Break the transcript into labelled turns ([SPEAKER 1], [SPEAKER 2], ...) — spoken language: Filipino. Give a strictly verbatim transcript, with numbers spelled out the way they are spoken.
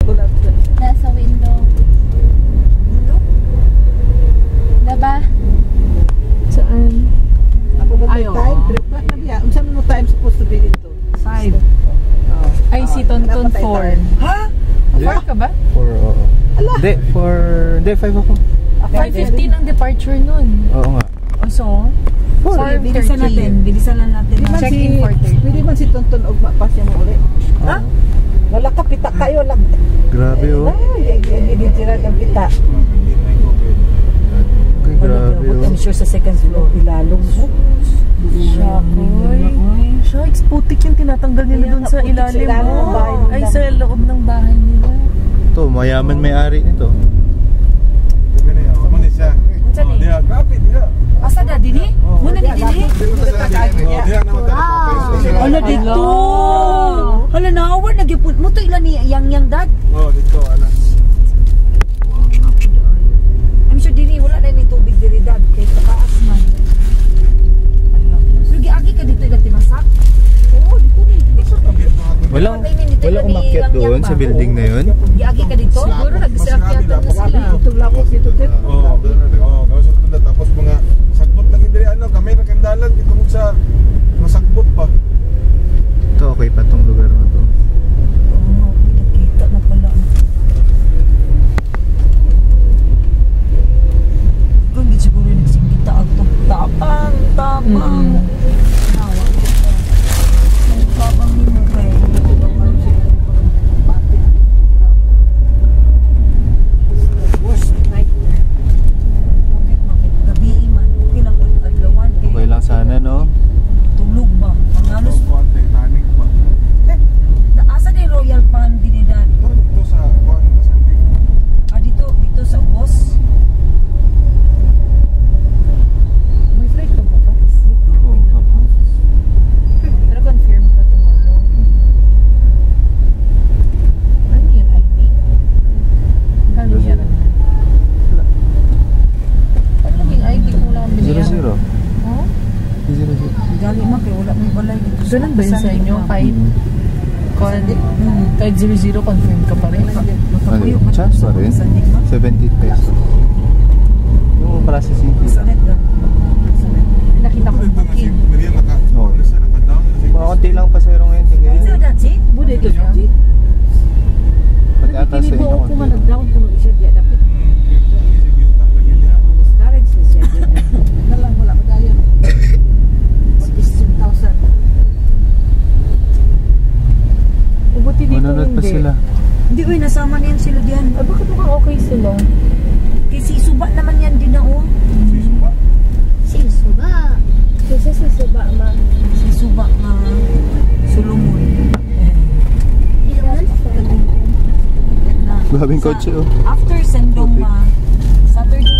[SPEAKER 1] Nasa window. Diba?
[SPEAKER 2] Saan?
[SPEAKER 3] Ako ba
[SPEAKER 2] Ay, oo.
[SPEAKER 3] time? Trip na na biya. Unsan mo time supposed to be dito?
[SPEAKER 2] Five.
[SPEAKER 3] Oh.
[SPEAKER 2] Ay, si Tonton
[SPEAKER 3] Napatay
[SPEAKER 2] four.
[SPEAKER 3] tayo. Ha?
[SPEAKER 2] Four ka ba?
[SPEAKER 4] four, oo. Hindi, four, hindi, five ako.
[SPEAKER 2] five fifteen ang departure nun.
[SPEAKER 4] Oo nga.
[SPEAKER 2] O so,
[SPEAKER 4] four.
[SPEAKER 2] four
[SPEAKER 5] Bilisan natin,
[SPEAKER 2] thirty.
[SPEAKER 5] bilisan lang natin.
[SPEAKER 3] Di man
[SPEAKER 2] Check
[SPEAKER 3] si,
[SPEAKER 2] in four thirty.
[SPEAKER 3] pwede man si Tonton og mapasya mo uli. Ha? Wala ka pita kayo lang.
[SPEAKER 4] Grabe oh.
[SPEAKER 3] Ay, hindi sila ng pita.
[SPEAKER 4] Ay, grabe oh.
[SPEAKER 5] I'm sure sa second floor.
[SPEAKER 3] Ilalong mo.
[SPEAKER 2] Shakoy. Shucks, putik yung tinatanggal nila dun sa ilalim. Oh. Ay, sa loob ng bahay nila.
[SPEAKER 4] Ito, mayaman may-ari nito.
[SPEAKER 5] Asa da dini? Muna ni dini? Hala dito. Hala na award nagipun mo to ilan ni yang yang dad.
[SPEAKER 6] Oh, dito ala.
[SPEAKER 5] I'm sure dini wala na ni tubig diri dad kay taas man. Sige agi ka dito ilang timasak. Oo, dito ni.
[SPEAKER 4] Walang, walang umakyat doon sa building na yun?
[SPEAKER 5] Giagi ka dito? Siguro nagsiakyatan na sila.
[SPEAKER 3] Itong lakos dito din.
[SPEAKER 6] Oh, oh, kaso tunda tapos mga sagbot lagi diri ano, gamay ra kandalan gitungod sa masagbot pa.
[SPEAKER 4] Ito, okay pa tong lugar na to.
[SPEAKER 5] Oo, nakita na pala. Kung di siguro nagsinggita ako tapang, tapang. Nawa ko pa. Tapang ni mo kay. Worst nightmare. Gabi man, okay lang kung adlawan.
[SPEAKER 4] Okay lang sana, no?
[SPEAKER 5] Tulog ba? Ang halos.
[SPEAKER 6] Titanic pa.
[SPEAKER 5] Asa din Royal Palm dinidad?
[SPEAKER 6] Dito sa kuan Pasandi.
[SPEAKER 5] Ah, dito, dito sa Ubos.
[SPEAKER 2] May flight ka bukas?
[SPEAKER 4] Oo, hapon.
[SPEAKER 2] Pero confirm ka tomorrow. Ano yun, I D? Kano yan? Ano naging I D kung lang
[SPEAKER 4] Zero, zero.
[SPEAKER 2] Oh?
[SPEAKER 4] Zero, zero.
[SPEAKER 5] Gali man kay wala may balay dito.
[SPEAKER 2] Ganun ba yun sa inyo? Kahit, con, hmm, kahit zero zero, confirm ka pa rin?
[SPEAKER 4] Ano, chance pa rin? seventy pesos. Yung processing fee lang.
[SPEAKER 5] Sanet lang.
[SPEAKER 2] Nakita ko
[SPEAKER 6] Ito nga si
[SPEAKER 2] booking.
[SPEAKER 6] Maria naka.
[SPEAKER 4] Oo.
[SPEAKER 6] Ano siya naka-down na si.
[SPEAKER 4] Mga konti lang pasero ngayon. Sige.
[SPEAKER 5] Ito dati?
[SPEAKER 3] Bude ito siya.
[SPEAKER 4] Pati ata sa inyo konti lang.
[SPEAKER 3] nag-down puno siya diya dapat. Discourage na siya. Nalang wala pa tayo. sixteen thousand.
[SPEAKER 2] Ubuti dito
[SPEAKER 4] Manunod pa
[SPEAKER 2] hindi.
[SPEAKER 4] sila.
[SPEAKER 5] Hindi, uy, nasama na yan sila diyan.
[SPEAKER 2] Ah, bakit mukhang okay sila?
[SPEAKER 5] Kasi suba naman yan din na oh.
[SPEAKER 1] Si Suba. Kasi si Suba, ma.
[SPEAKER 5] Si suba nga Solomon.
[SPEAKER 1] Ilan?
[SPEAKER 4] Grabing kotse oh.
[SPEAKER 5] After Sendong ma, Saturday